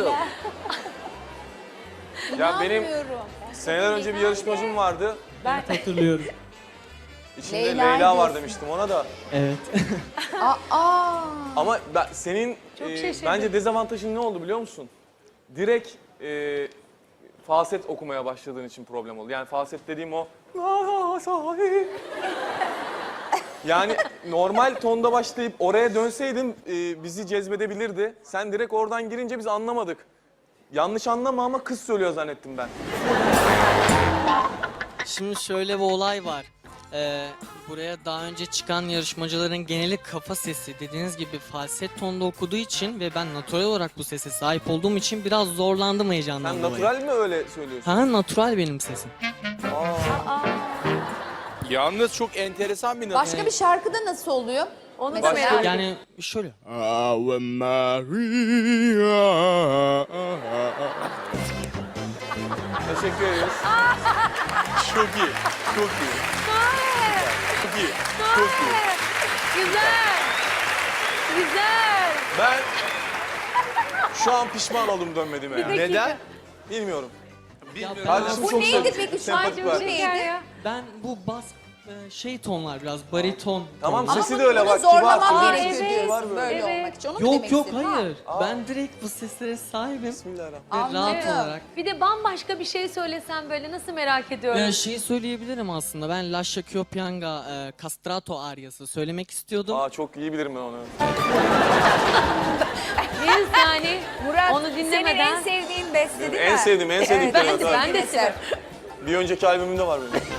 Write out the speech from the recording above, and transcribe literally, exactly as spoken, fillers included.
bakalım. Ya benim İnanmıyorum. seneler önce bir yarışmacım vardı. Evet, hatırlıyorum. İçinde Leyla Leyla, var diyorsun. demiştim ona da. Evet. Aa. Ama ben, senin Çok e, şaşırdım. bence dezavantajın ne oldu biliyor musun? Direkt e, falset okumaya başladığın için problem oldu. Yani falset dediğim o... Yani normal tonda başlayıp oraya dönseydin e, bizi cezbedebilirdi. Sen direkt oradan girince biz anlamadık. Yanlış anlama ama kız söylüyor zannettim ben. Şimdi şöyle bir olay var. Ee, buraya daha önce çıkan yarışmacıların geneli kafa sesi. Dediğiniz gibi falset tonda okuduğu için ve ben natural olarak bu sese sahip olduğum için biraz zorlandım heyecandan Sen dolayı. natural mi öyle söylüyorsun? Ha, natural benim sesim. Yalnız çok enteresan bir nasıl. Başka bir şarkıda nasıl oluyor? Onu da Mesela- merak ediyorum. Yani şöyle. Ave Maria. Teşekkür ederiz. Çok iyi, çok iyi. Çok iyi, çok iyi. Güzel. Güzel. Ben şu an pişman oldum dönmediğime yani. Neden? Bilmiyorum. Bilmiyorum. Kardeşim Bu çok neydi sevdim. peki? Şu Sempatik an var. bu neydi? Ya. Ben bu bas e, şey tonlar biraz bariton. Tamam tonlar. sesi Ama de öyle bunu bak. Kibar, zorlamak kibar, gerekiyor evet, diyorsun kibar böyle evet. olmak için. Onu mu Yok demek yok istedin? hayır. Aa. Ben direkt bu seslere sahibim. Bismillahirrahmanirrahim. Ve rahat Anladım. olarak. Bir de bambaşka bir şey söylesen böyle nasıl merak ediyorum. Ya şeyi söyleyebilirim aslında. Ben Lascia Chioppianga e, Castrato aryası söylemek istiyordum. Aa çok iyi bilirim ben onu. Neyse yani Murat, onu senin en dinlemeden. sevdiğin beste değil mi? En sevdiğim, en sevdiğim Evet, kelime. ben de eser. Bir önceki albümümde var benim.